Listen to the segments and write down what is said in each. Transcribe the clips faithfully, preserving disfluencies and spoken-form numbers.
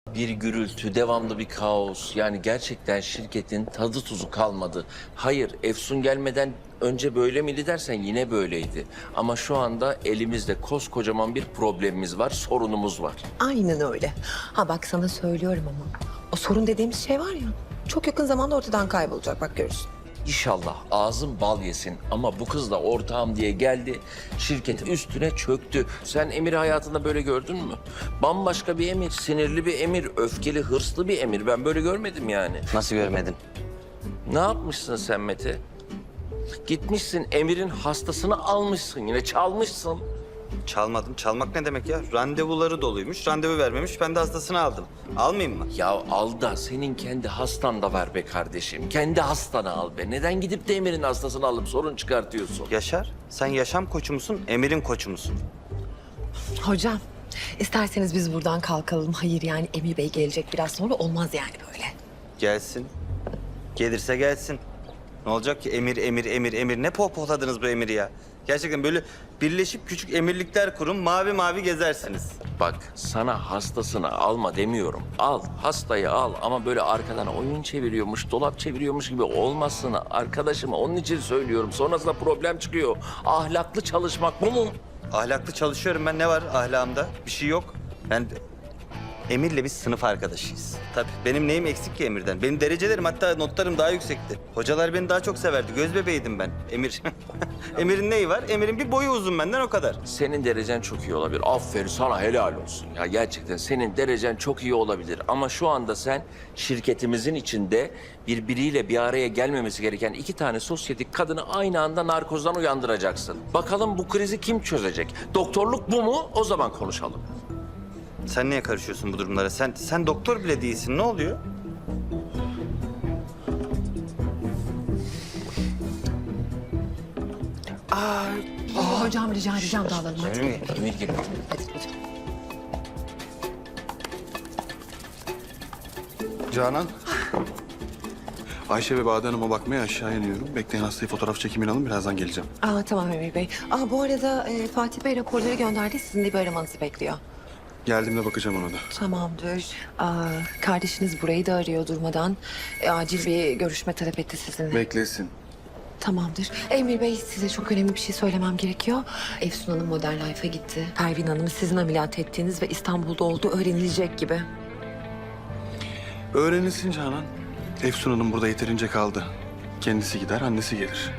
Bir gürültü, devamlı bir kaos. Yani gerçekten şirketin tadı tuzu kalmadı. Hayır, Efsun gelmeden önce böyle miydi dersen yine böyleydi. Ama şu anda elimizde koskocaman bir problemimiz var, sorunumuz var. Aynen öyle. Ha bak sana söylüyorum ama o sorun dediğimiz şey var ya çok yakın zamanda ortadan kaybolacak bak görürsün. İnşallah ağzım bal yesin ama bu kız da ortağım diye geldi, şirket üstüne çöktü. Sen Emir'i hayatında böyle gördün mü? Bambaşka bir Emir, sinirli bir Emir, öfkeli, hırslı bir Emir. Ben böyle görmedim yani. Nasıl görmedin? Ne yapmışsın sen Mete? Gitmişsin Emir'in hastasını almışsın, yine çalmışsın. Çalmadım. Çalmak ne demek ya? Randevuları doluymuş, randevu vermemiş. Ben de hastasını aldım. Almayayım mı? Ya al da senin kendi hastan da var be kardeşim. Kendi hastanı al be. Neden gidip de Emir'in hastasını alıp sorun çıkartıyorsun? Yaşar, sen yaşam koçu musun, Emir'in koçu musun? Hocam isterseniz biz buradan kalkalım. Hayır yani Emir Bey gelecek biraz sonra olmaz yani böyle. Gelsin. Gelirse gelsin. Ne olacak ki Emir, Emir, Emir, Emir? Ne pohpohladınız bu Emir'i ya? Gerçekten böyle birleşip küçük emirlikler kurun, mavi mavi gezersiniz. Bak sana hastasını alma demiyorum. Al hastayı al ama böyle arkadan oyun çeviriyormuş, dolap çeviriyormuş gibi olmasın arkadaşım. Onun için söylüyorum. Sonrasında problem çıkıyor. Ahlaklı çalışmak bu mu? Ahlaklı çalışıyorum ben. Ne var ahlakımda? Bir şey yok. Ben Emir'le biz sınıf arkadaşıyız. Tabii benim neyim eksik ki Emir'den? Benim derecelerim hatta notlarım daha yüksekti. Hocalar beni daha çok severdi. Göz bebeğiydim ben. Emir. Emir'in neyi var? Emir'in bir boyu uzun benden o kadar. Senin derecen çok iyi olabilir. Aferin sana helal olsun. Ya gerçekten senin derecen çok iyi olabilir. Ama şu anda sen şirketimizin içinde birbiriyle bir araya gelmemesi gereken iki tane sosyetik kadını aynı anda narkozdan uyandıracaksın. Bakalım bu krizi kim çözecek? Doktorluk bu mu? O zaman konuşalım. Sen niye karışıyorsun bu durumlara? Sen sen doktor bile değilsin. Ne oluyor? Hocam rica edeceğim dağılalım hadi. Emir, Emir gel. Hadi hocam. Canan. Ayşe ve Bade Hanım'a bakmaya aşağı iniyorum. Bekleyin hastayı fotoğraf çekimini alın. Birazdan geleceğim. Aa, tamam Emir Bey. Aa, bu arada e, Fatih Bey raporları gönderdi. Sizin de bir aramanızı bekliyor. Geldiğimde bakacağım ona da. Tamamdır. Aa, kardeşiniz burayı da arıyor durmadan. E, acil bir görüşme talep etti sizinle. Beklesin. Tamamdır. Emir Bey size çok önemli bir şey söylemem gerekiyor. Efsun Hanım Modern Life'a gitti. Pervin Hanım'ı sizin ameliyat ettiğiniz ve İstanbul'da olduğu öğrenilecek gibi. Öğrenilsin Canan. Efsun Hanım burada yeterince kaldı. Kendisi gider, annesi gelir.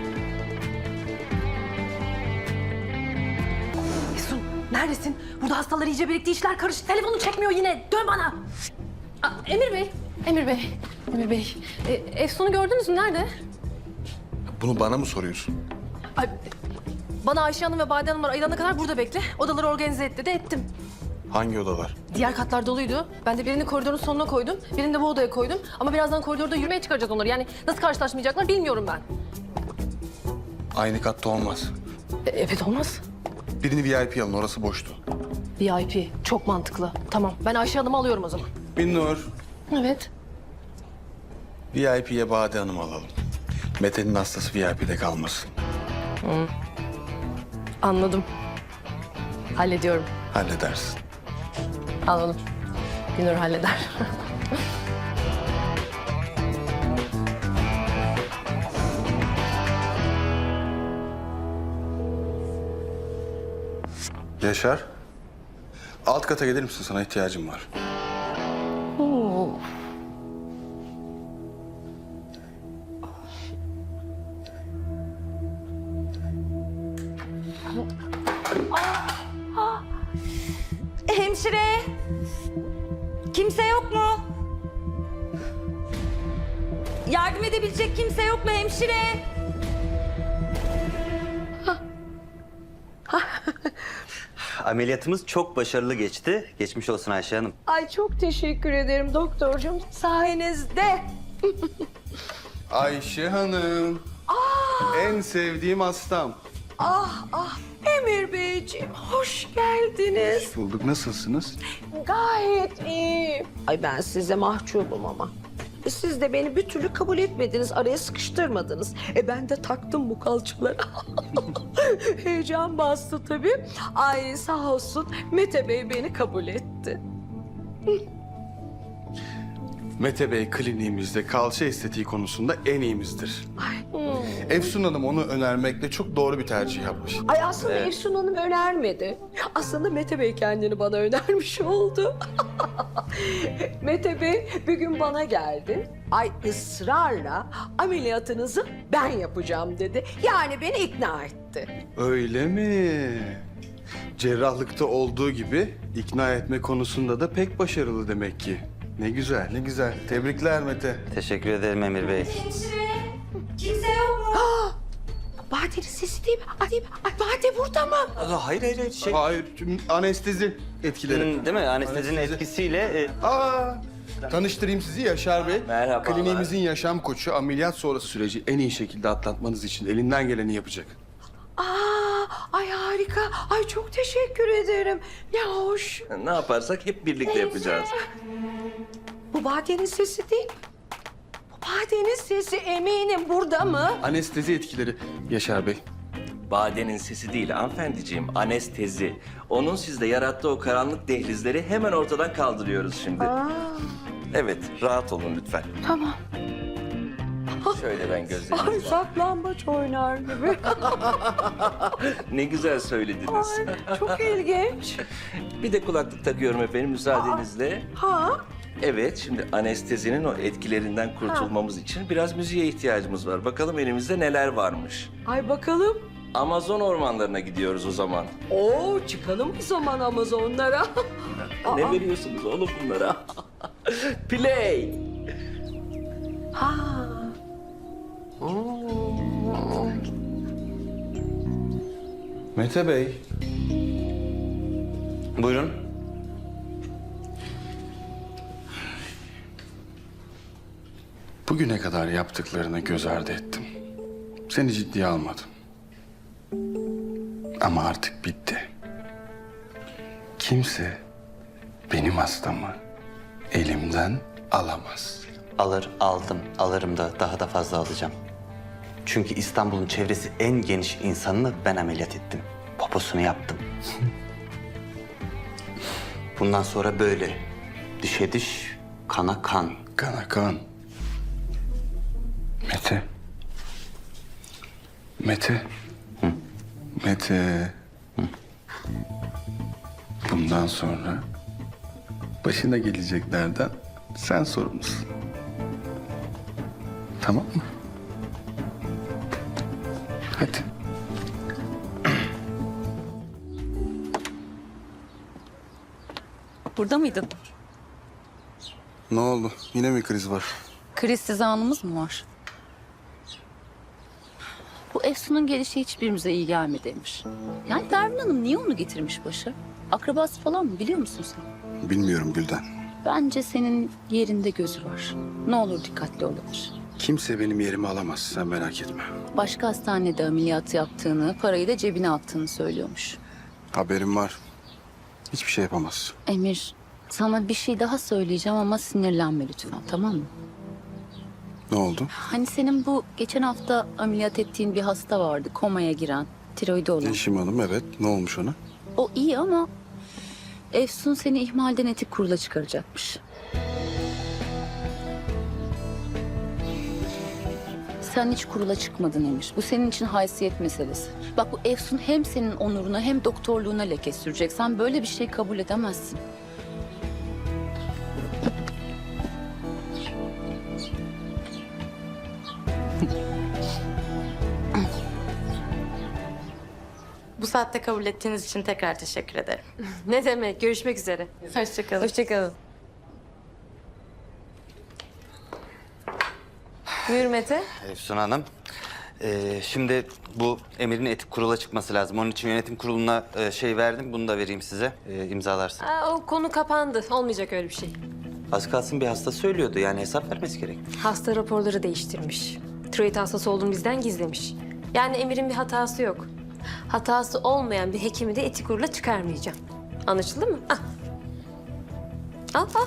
Efsun neredesin? Burada hastalar iyice birikti, işler karıştı. Telefonu çekmiyor yine. Dön bana. Aa, Emir Bey, Emir Bey, Emir Bey. E, Efsun'u gördünüz mü? Nerede? Bunu bana mı soruyorsun? Ay, bana Ayşe Hanım ve Bade Hanımlar ayılana kadar burada bekle. Odaları organize et dedi, ettim. Hangi odalar? Diğer katlar doluydu. Ben de birini koridorun sonuna koydum, birini de bu odaya koydum. Ama birazdan koridorda yürümeye çıkaracağız onları. Yani nasıl karşılaşmayacaklar bilmiyorum ben. Aynı katta olmaz. E, evet olmaz. Birini V I P alın, orası boştu. V I P, çok mantıklı. Tamam, ben Ayşe Hanım'ı alıyorum o zaman. Binnur, Evet. V I P'ye Bade Hanım'ı alalım. Mete'nin hastası V I P'de kalmasın. Anladım. Hallediyorum. Halledersin. Anladım. Günür halleder. Yaşar. Alt kata gelir misin? Sana ihtiyacım var. Hemşire! Kimse yok mu? Yardım edebilecek kimse yok mu hemşire? Ameliyatımız çok başarılı geçti. Geçmiş olsun Ayşe Hanım. Ay çok teşekkür ederim doktorcum. Sayenizde. Ayşe Hanım. En sevdiğim hastam. Ah ah Emir Beyciğim hoş geldiniz. Bulduk. Nasılsınız? Gayet iyi. Ay ben size mahcubum ama. E, Siz de beni bir türlü kabul etmediniz, araya sıkıştırmadınız. E ben de taktım bu kalçalara. Heyecan bastı tabii. Ay sağ olsun Mete Bey beni kabul etti. Mete Bey kliniğimizde kalça estetiği konusunda en iyimizdir. Efsun Hanım onu önermekle çok doğru bir tercih yapmış. Ay aslında Efsun Hanım önermedi. Aslında Mete Bey kendini bana önermiş oldu. Mete Bey bir gün bana geldi. Ay ısrarla ameliyatınızı ben yapacağım dedi. Yani beni ikna etti. Öyle mi? Cerrahlıkta olduğu gibi ikna etme konusunda da pek başarılı demek ki. Ne güzel, ne güzel. Tebrikler Mete. Teşekkür ederim Emir Bey. Bade'nin sesi değil mi? Ay, değil mi? Ay Bade burada mı? Hayır hayır hayır. Şey, Hayır, tüm anestezi etkileri. Hmm, değil mi? Anestezinin Anestezi. etkisiyle... e, Aa, tanıştırayım sizi Yaşar Bey. Merhabalar. Kliniğimizin yaşam koçu, ameliyat sonrası süreci en iyi şekilde atlatmanız için elinden geleni yapacak. Aa, ay harika. Ay çok teşekkür ederim. Ne hoş. Ne yaparsak hep birlikte yapacağız. Bu Bade'nin sesi değil mi? Bu Bade'nin sesi eminim burada mı? Anestezi etkileri Yaşar Bey. Badenin sesi değil hanımefendiciğim, anestezi. Onun sizde yarattığı o karanlık dehlizleri hemen ortadan kaldırıyoruz şimdi. Evet, rahat olun lütfen. Tamam. Şöyle ben Ay gözlerimi... saklambaç oynar gibi. Ne güzel söylediniz. Ay, çok ilginç. Bir de kulaklık takıyorum efendim müsaadenizle. Ha? Evet, şimdi anestezinin o etkilerinden kurtulmamız için biraz müziğe ihtiyacımız var. Bakalım elimizde neler varmış. Ay bakalım. Amazon ormanlarına gidiyoruz o zaman. Oo çıkalım o zaman Amazonlara. Ne veriyorsunuz oğlum bunlara? Play! Ha. Mete Bey, Buyurun. bugüne kadar yaptıklarını göz ardı ettim. Seni ciddiye almadım. Ama artık bitti. Kimse benim hastamı elimden alamaz. Alır, aldım. Alırım da daha da fazla alacağım. Çünkü İstanbul'un çevresi en geniş insanını ben ameliyat ettim. Poposunu yaptım. Bundan sonra böyle. Dişe diş, kana kan. Kana kan. Mete. Mete. Mete. Bundan sonra başına geleceklerden sen sorumlusun. Tamam mı? Hadi. Burada mıydın? Ne oldu? Yine mi kriz var? Krizsiz anımız mı var? Bu Efsun'un gelişi hiçbirimize iyi gelmedi Emir. Yani Pervin Hanım niye onu getirmiş başa? Akrabası falan mı biliyor musun sen? Bilmiyorum Gülden. Bence senin yerinde gözü var. Ne olur dikkatli olabilir. Kimse benim yerimi alamaz. Sen merak etme. Başka hastanede ameliyat yaptığını, parayı da cebine attığını söylüyormuş. Haberim var. Hiçbir şey yapamaz. Emir, sana bir şey daha söyleyeceğim ama sinirlenme lütfen, tamam mı? Ne oldu? Hani senin bu geçen hafta ameliyat ettiğin bir hasta vardı, komaya giren, tiroidi olan. Yeşim Hanım, evet. Ne olmuş ona? O iyi ama Efsun seni ihmalden etik kurula çıkaracakmış. Sen hiç kurula çıkmadın Emir. Bu senin için haysiyet meselesi. Bak bu Efsun hem senin onuruna hem doktorluğuna leke sürecek. Sen böyle bir şey kabul edemezsin. Bu saatte kabul ettiğiniz için tekrar teşekkür ederim. Ne demek? Görüşmek üzere. Hoşçakalın. Hoşçakalın. Buyur Mete. Efsun Hanım. Ee, şimdi bu Emir'in etik kurula çıkması lazım. Onun için yönetim kuruluna e, şey verdim. Bunu da vereyim size. E, imzalarsın. Aa, o konu kapandı. Olmayacak öyle bir şey. Az kalsın bir hasta söylüyordu. Yani hesap vermesi gerek. Hasta raporları değiştirmiş. Tiroid hastası olduğunu bizden gizlemiş. Yani Emir'in bir hatası yok. Hatası olmayan bir hekimi de etik kurula çıkarmayacağım. Anlaşıldı mı? Al. Al, al.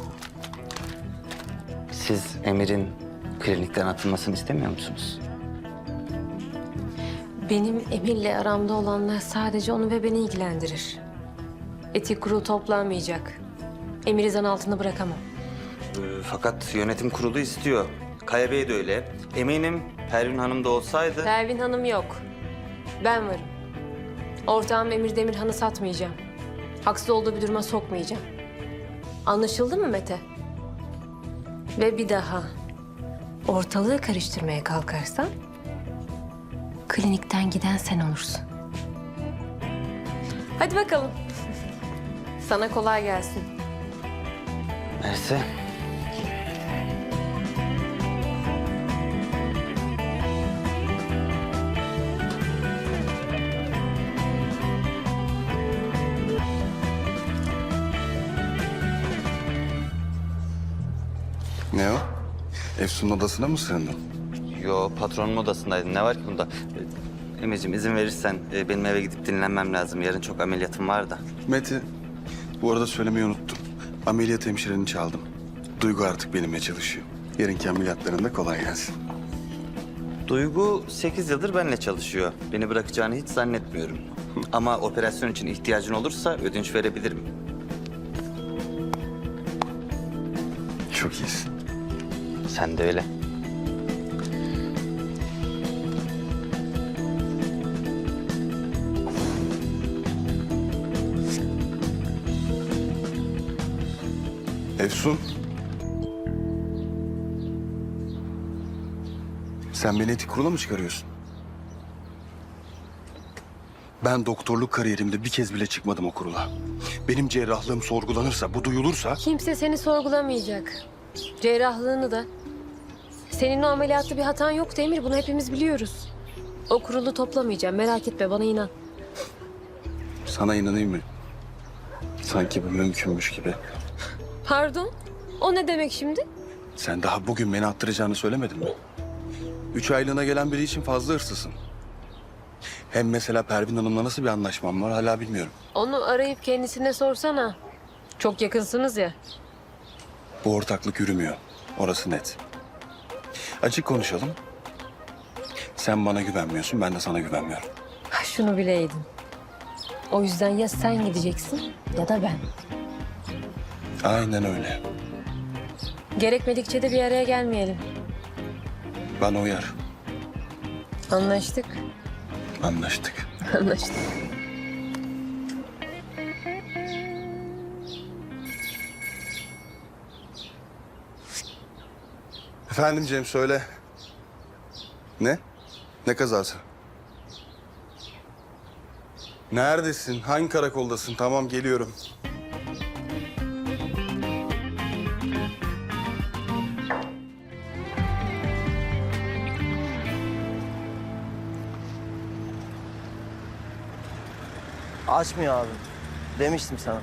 Siz Emir'in klinikten atılmasını istemiyor musunuz? Benim Emir'le aramda olanlar sadece onu ve beni ilgilendirir. Etik kurul toplanmayacak. Emir'i zan altında bırakamam. e, fakat yönetim kurulu istiyor. Kaya Bey de öyle. Eminim Pervin Hanım da olsaydı... Pervin Hanım yok. Ben varım. Ortağım Emir Demirhan'ı satmayacağım. Haksız olduğu bir duruma sokmayacağım. Anlaşıldı mı Mete? Ve bir daha ortalığı karıştırmaya kalkarsan klinikten giden sen olursun. Hadi bakalım. Sana kolay gelsin. Mersi. Ne o? Efsun'un odasına mı sığındın? Yo, patronun odasındaydım. Ne var ki bunda? E, Emir'cim izin verirsen e, benim eve gidip dinlenmem lazım. Yarın çok ameliyatım var da. Mete, bu arada söylemeyi unuttum. Ameliyat hemşireni çaldım. Duygu artık benimle çalışıyor. Yarınki ameliyatlarında kolay gelsin. Duygu sekiz yıldır benimle çalışıyor. Beni bırakacağını hiç zannetmiyorum. Ama operasyon için ihtiyacın olursa ödünç verebilirim. Çok iyisin. Sen de öyle. Efsun. Sen beni etik kurula mı çıkarıyorsun? Ben doktorluk kariyerimde bir kez bile çıkmadım o kurula. Benim cerrahlığım sorgulanırsa, bu duyulursa... Kimse seni sorgulamayacak. Cerrahlığını da. Senin o ameliyatta bir hatan yok Demir. Bunu hepimiz biliyoruz. O kurulu toplamayacağım. Merak etme, bana inan. Sana inanayım mı? Sanki bu mümkünmüş gibi. Pardon? O ne demek şimdi? Sen daha bugün beni attıracağını söylemedin mi? Üç aylığına gelen biri için fazla hırsızsın. Hem mesela Pervin Hanım'la nasıl bir anlaşmam var hala bilmiyorum. Onu arayıp kendisine sorsana. Çok yakınsınız ya. Bu ortaklık yürümüyor. Orası net. Açık konuşalım. Sen bana güvenmiyorsun, ben de sana güvenmiyorum. Ha, şunu bileydin. O yüzden ya sen gideceksin ya da ben. Aynen öyle. Gerekmedikçe de bir araya gelmeyelim. Bana uyar. Anlaştık. Anlaştık. Anlaştık. Efendim Cem söyle. Ne? Ne kazası? Neredesin? Hangi karakoldasın? Tamam geliyorum. Açmıyor abi. Demiştim sana.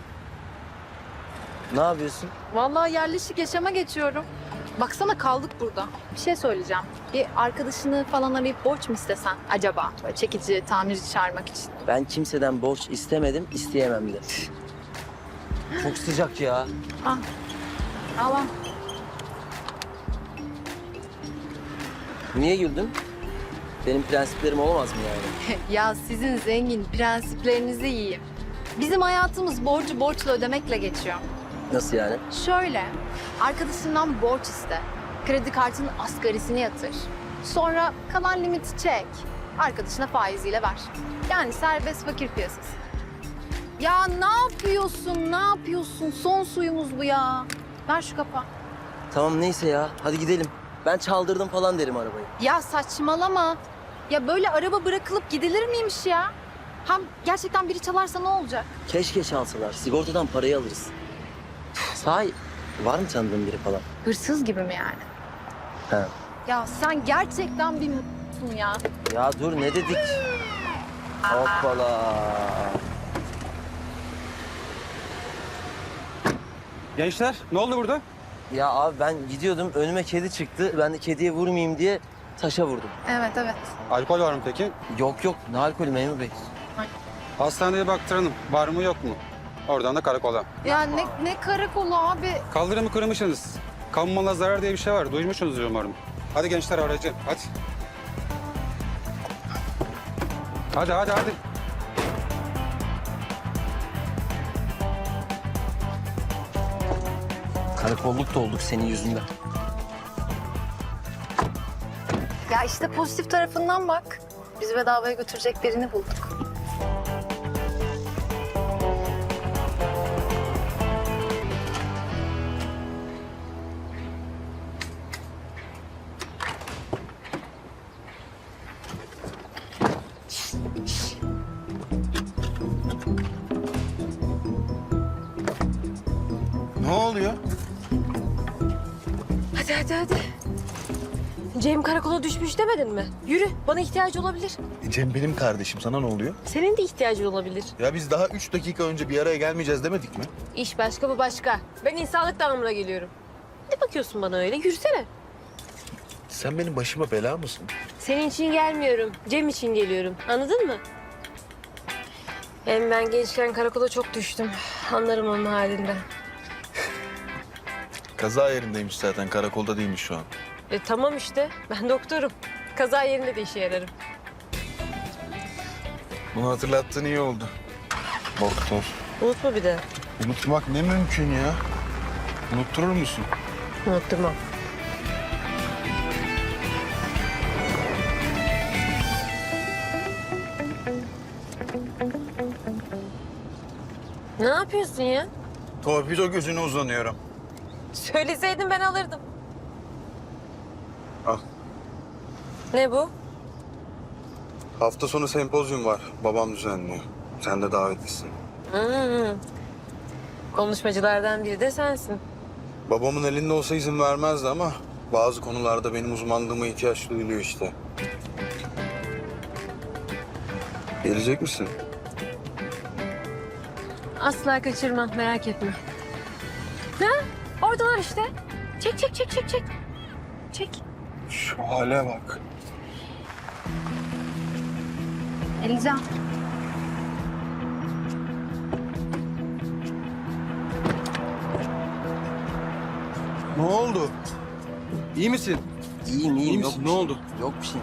Ne yapıyorsun? Vallahi yerleşik yaşama geçiyorum. Baksana kaldık burada. Bir şey söyleyeceğim. Bir arkadaşını falan arayıp borç mu istesen acaba? Böyle çekici, tamirci çağırmak için. Ben kimseden borç istemedim, isteyemem de. Çok sıcak ya. Allah. Niye güldün? Benim prensiplerim olamaz mı yani? Ya sizin zengin prensiplerinizi yiyeyim. Bizim hayatımız borcu borçla ödemekle geçiyor. Nasıl yani? Şöyle, arkadaşından borç iste. Kredi kartının asgarisini yatır. Sonra kalan limiti çek. Arkadaşına faiziyle ver. Yani serbest fakir piyasası. Ya ne yapıyorsun, ne yapıyorsun? Son suyumuz bu ya. Ver şu kapağı. Tamam neyse ya, hadi gidelim. Ben çaldırdım falan derim arabayı. Ya saçmalama. Ya böyle araba bırakılıp gidilir miymiş ya? Hem gerçekten biri çalarsa ne olacak? Keşke çalsalar, sigortadan parayı alırız. Sahi, var mı tanıdığın biri falan? Hırsız gibi mi yani? He. Ya sen gerçekten bir m***sun ya. Ya dur ne dedik? Hoppala. Gençler ne oldu burada? Ya abi ben gidiyordum, önüme kedi çıktı. Ben de kediye vurmayayım diye taşa vurdum. Evet, evet. Alkol var mı peki? Yok yok, ne alkolü memur bey? Hastaneye baktıralım. Var mı yok mu? Oradan da karakola. Ya ne, ne karakolu abi? Kaldırımı kırmışsınız. Kamu malına zarar diye bir şey var. Duymuşsunuzdur umarım. Hadi gençler aracı. Hadi. Hadi hadi hadi. Karakolluk da olduk senin yüzünden. Ya işte pozitif tarafından bak. Bizi bedavaya götürecek birini bulduk. Ne oluyor? Hadi hadi hadi. Cem karakola düşmüş demedin mi? Yürü, bana ihtiyacı olabilir. Cem benim kardeşim. Sana ne oluyor? Senin de ihtiyacın olabilir. Ya biz daha üç dakika önce bir araya gelmeyeceğiz demedik mi? İş başka, bu başka. Ben insanlık damına geliyorum. Ne bakıyorsun bana öyle? Yürüsene. Sen benim başıma bela mısın? Senin için gelmiyorum. Cem için geliyorum. Anladın mı? Hem ben gençken karakola çok düştüm. Anlarım onun halinden. Kaza yerindeymiş zaten. Karakolda değilmiş şu an. E tamam işte. Ben doktorum. Kaza yerinde de işe yararım. Bunu hatırlattığın iyi oldu. Doktor. Unutma bir de. Unutmak ne mümkün ya? Unutturur musun? Unutturmam. Ne yapıyorsun ya? Torpido gözüne uzanıyorum. Söyleseydin ben alırdım. Al. Ne bu? Hafta sonu sempozyum var. Babam düzenliyor. Sen de davetlisin. Hmm. Konuşmacılardan biri de sensin. Babamın elinde olsa izin vermezdi ama bazı konularda benim uzmanlığıma ihtiyaç duyuluyor işte. Gelecek misin? Asla kaçırmam, merak etme. Ha? Oradalar işte. Çek, çek, çek, çek, çek. Çek. Şu hale bak. Elican. Ne oldu? İyi misin? İyiyim iyiyim. İyi Yok misin? bir Ne şey. oldu? Yok bir şey.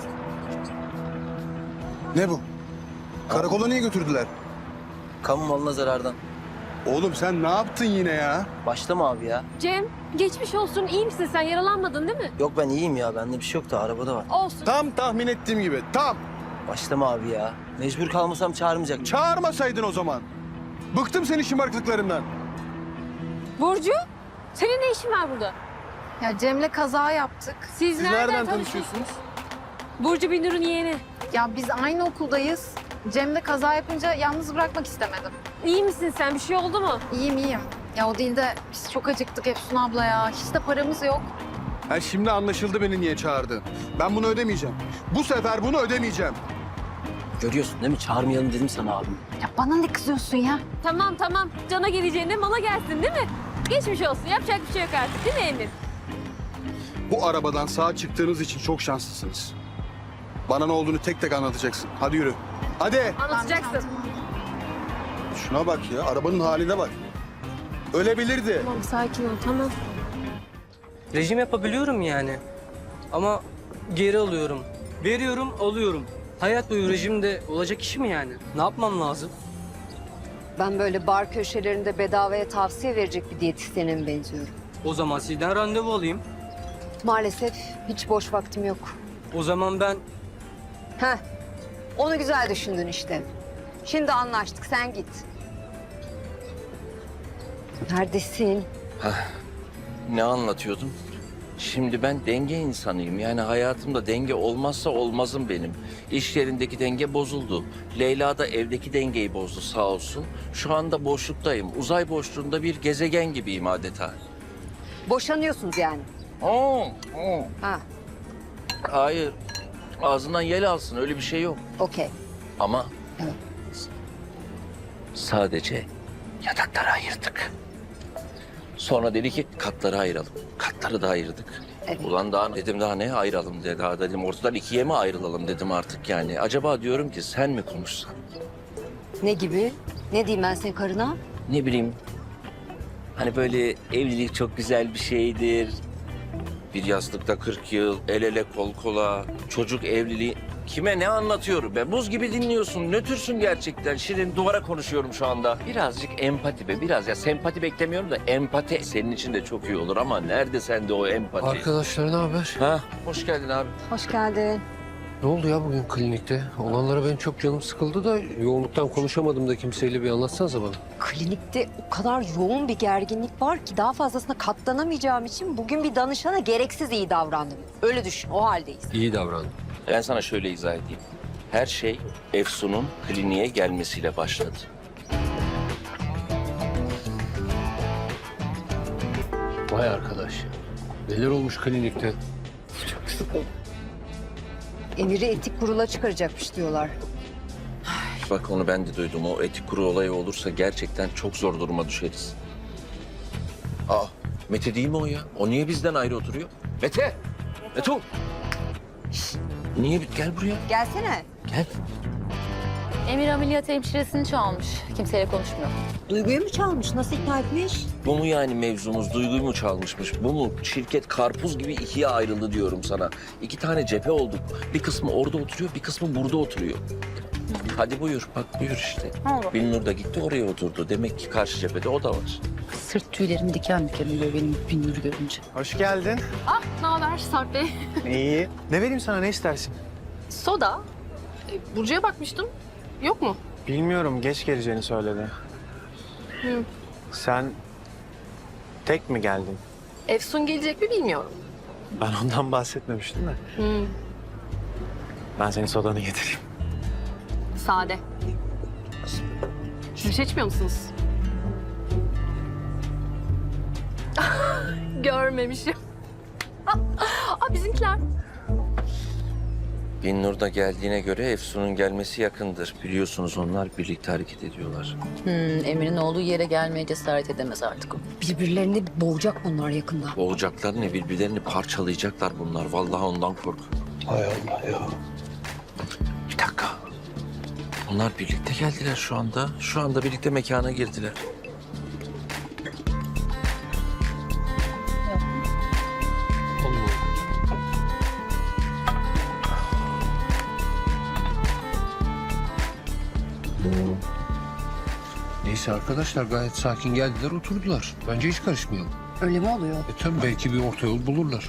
Ne bu? Karakola niye götürdüler? Kamu malına zarardan. Oğlum sen ne yaptın yine ya? Başlama abi ya. Cem, geçmiş olsun. İyi misin sen? Yaralanmadın değil mi? Yok ben iyiyim ya. Bende bir şey yok da arabada var. Olsun. Tam tahmin ettiğim gibi. Tam. Başlama abi ya. Mecbur kalmasam çağırmayacak. Çağırmasaydın o zaman. Bıktım senin şımarıklıklarından. Burcu, senin ne işin var burada? Ya Cem'le kaza yaptık. Siz, Siz nereden tanışıyorsunuz? Burcu Binur'un yeğeni. Ya biz aynı okuldayız. Cem'le kaza yapınca yalnız bırakmak istemedim. İyi misin sen? Bir şey oldu mu? İyiyim iyiyim. Ya o değil de biz çok acıktık Efsun abla ya. Hiç de paramız yok. Ha, şimdi anlaşıldı beni niye çağırdın. Ben bunu ödemeyeceğim. Bu sefer bunu ödemeyeceğim. Görüyorsun değil mi? Çağırmayalım dedim sana abim. Ya bana ne kızıyorsun ya? Tamam tamam. Cana geleceğine mala gelsin değil mi? Geçmiş olsun. Yapacak bir şey yok artık değil mi Emir? Bu arabadan sağ çıktığınız için çok şanslısınız. Bana ne olduğunu tek tek anlatacaksın. Hadi yürü. Hadi. Anlatacaksın. Şuna bak ya. Arabanın haline bak. Ölebilirdi. Tamam sakin ol tamam. Rejim yapabiliyorum yani. Ama geri alıyorum. Veriyorum, alıyorum. Hayat boyu rejimde olacak iş mi yani? Ne yapmam lazım? Ben böyle bar köşelerinde bedavaya tavsiye verecek bir diyetisyene mi benziyorum? O zaman sizden randevu alayım. Maalesef hiç boş vaktim yok. O zaman ben Heh, onu güzel düşündün işte. Şimdi anlaştık, sen git. Neredesin? Ne anlatıyordum? Şimdi ben denge insanıyım. Yani hayatımda denge olmazsa olmazım benim. İş yerindeki denge bozuldu. Leyla da evdeki dengeyi bozdu sağ olsun. Şu anda boşluktayım. Uzay boşluğunda bir gezegen gibiyim adeta. Boşanıyorsunuz yani. Oo, oo. Ha, Hayır. Ağzından yel alsın öyle bir şey yok. okey. Ama Evet. sadece yatakları ayırdık. Sonra dedi ki katları ayıralım. Katları da ayırdık. Evet. Ulan daha dedim daha ne ayıralım dedi. Daha dedim ortadan ikiye mi ayrılalım dedim artık yani. Acaba diyorum ki sen mi konuşsan? Ne gibi? Ne diyeyim ben senin karına? Ne bileyim. Hani böyle evlilik çok güzel bir şeydir. Bir yastıkta kırk yıl, el ele kol kola, çocuk evliliği. Kime ne anlatıyorum be? Buz gibi dinliyorsun. Nötürsün gerçekten. Şirin, duvara konuşuyorum şu anda. Birazcık empati be. Biraz ya sempati beklemiyorum da empati senin için de çok iyi olur ama nerede sende o empati? Arkadaşlar ne haber? Ha, hoş geldin abi. Hoş geldin. Ne oldu ya bugün klinikte? Olanlara benim çok canım sıkıldı da yoğunluktan konuşamadım da kimseyle, bir anlatsanıza bana. Klinikte o kadar yoğun bir gerginlik var ki daha fazlasına katlanamayacağım için bugün bir danışana gereksiz iyi davrandım. Öyle düşün, o haldeyiz. İyi davrandım. Ben sana şöyle izah edeyim. Her şey Efsun'un kliniğe gelmesiyle başladı. Vay arkadaş ya. Neler olmuş klinikte? Emir'i etik kurula çıkaracakmış diyorlar. Bak onu ben de duydum. O etik kurulu olayı olursa gerçekten çok zor duruma düşeriz. Aa, Mete değil mi o ya? O niye bizden ayrı oturuyor? Mete! Mete! Şşt, niye? Gel buraya. Gelsene. Gel. Emir ameliyat hemşiresini çalmış. Kimseyle konuşmuyor. Duygu'yu mu çalmış? Nasıl ikna etmiş? Bu mu yani mevzumuz? Duyguyu mu çalmışmış? Bu mu? Şirket karpuz gibi ikiye ayrıldı diyorum sana. İki tane cephe olduk. Bir kısmı orada oturuyor, bir kısmı burada oturuyor. Hadi buyur, bak buyur işte. Binnur da gitti oraya oturdu. Demek ki karşı cephede o da var. Sırt tüylerim diken diken oluyor benim Binnur'u görünce. Hoş geldin. Ah, ne haber Sarp Bey? İyi. Ne vereyim sana, ne istersin? Soda. E, Burcu'ya bakmıştım. Yok mu? Bilmiyorum, geç geleceğini söyledi. Hı. Sen tek mi geldin? Efsun gelecek mi bilmiyorum. Ben ondan bahsetmemiştim de. Hı. Ben senin sodanı getireyim. Sade. Siz içmiyor musunuz? Görmemişim. Aa, bizimkiler. Binnur da geldiğine göre Efsun'un gelmesi yakındır. Biliyorsunuz onlar birlikte hareket ediyorlar. Hmm, Emir'in olduğu yere gelmeye cesaret edemez artık o. Birbirlerini boğacak bunlar yakında. Boğacaklar ne? Birbirlerini parçalayacaklar bunlar. Vallahi ondan korkuyorum. Hay Allah ya. Bir dakika. Onlar birlikte geldiler şu anda. Şu anda birlikte mekana girdiler. Neyse arkadaşlar, gayet sakin geldiler, oturdular. Bence hiç karışmayalım. Öyle mi oluyor? E tabii belki bir orta yol bulurlar.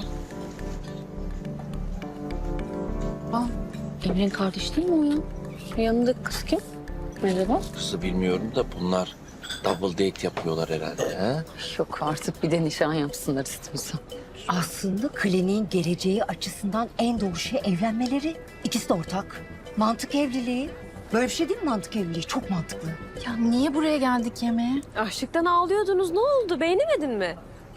Emir'in kardeşi değil mi o ya? Yanındaki kız kim? Merhaba. Kızı bilmiyorum da bunlar double date yapıyorlar herhalde. Ha? Yok artık, bir de nişan yapsınlar istiyorsan. Aslında kliniğin geleceği açısından en doğru şey evlenmeleri. İkisi de ortak. Mantık evliliği. Böyle bir şey değil mi mantık evliliği? Çok mantıklı. Ya niye buraya geldik yemeğe? Açlıktan ağlıyordunuz. Ne oldu? Beğenemedin mi?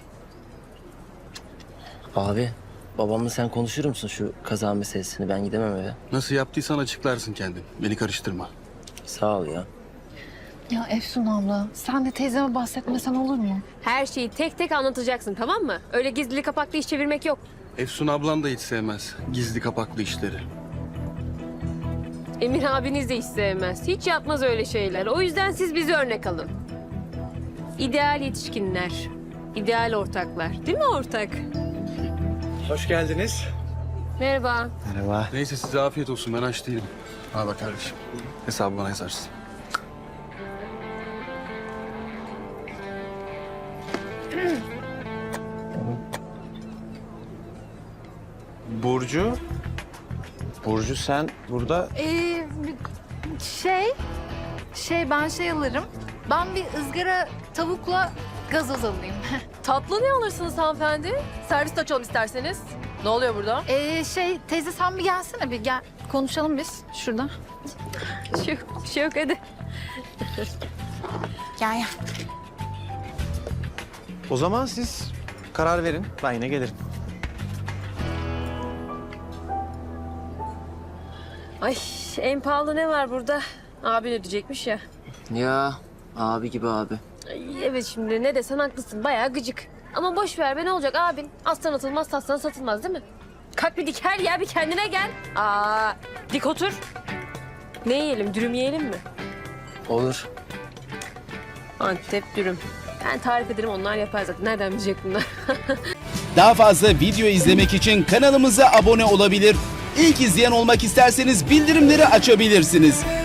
Abi, babamla sen konuşur musun şu kaza meselesini? Ben gidemem eve. Nasıl yaptıysan açıklarsın kendin. Beni karıştırma. Sağ ol ya. Ya Efsun abla, sen de teyzeme bahsetmesen olur mu? Her şeyi tek tek anlatacaksın, tamam mı? Öyle gizli kapaklı iş çevirmek yok. Efsun ablan da hiç sevmez gizli kapaklı işleri. Emir abiniz de hiç sevmez. Hiç yapmaz öyle şeyler. O yüzden siz bizi örnek alın. İdeal yetişkinler. İdeal ortaklar. Değil mi ortak? Hoş geldiniz. Merhaba. Merhaba. Neyse size afiyet olsun, ben aç değilim. Al bak kardeşim. Hesabı bana yazarsın. Burcu. Burcu sen burada... Ee, şey, şey ben şey alırım. Ben bir ızgara tavukla gazoz alayım. Tatlı ne alırsınız hanımefendi? Servis açalım isterseniz. Ne oluyor burada? Ee, şey teyze sen bir gelsene bir gel. Konuşalım biz şurada. Bir şey yok, bir şey yok hadi. Gel gel. O zaman siz karar verin. Ben yine gelirim. Ay en pahalı ne var burada? Abin ödeyecekmiş ya. Ya abi gibi abi. Ay, evet şimdi ne desen haklısın. Bayağı gıcık. Ama boş ver be, ne olacak abin? Aslan atılmaz, taslan satılmaz değil mi? Kalk bir dik her ya, bir kendine gel. Aa, dik otur. Ne yiyelim, dürüm yiyelim mi? Olur. Antep dürüm. Ben tarif ederim, onlar yapar zaten. Nereden bilecek bunlar? Daha fazla video izlemek için kanalımıza abone olabilir. İlk izleyen olmak isterseniz bildirimleri açabilirsiniz.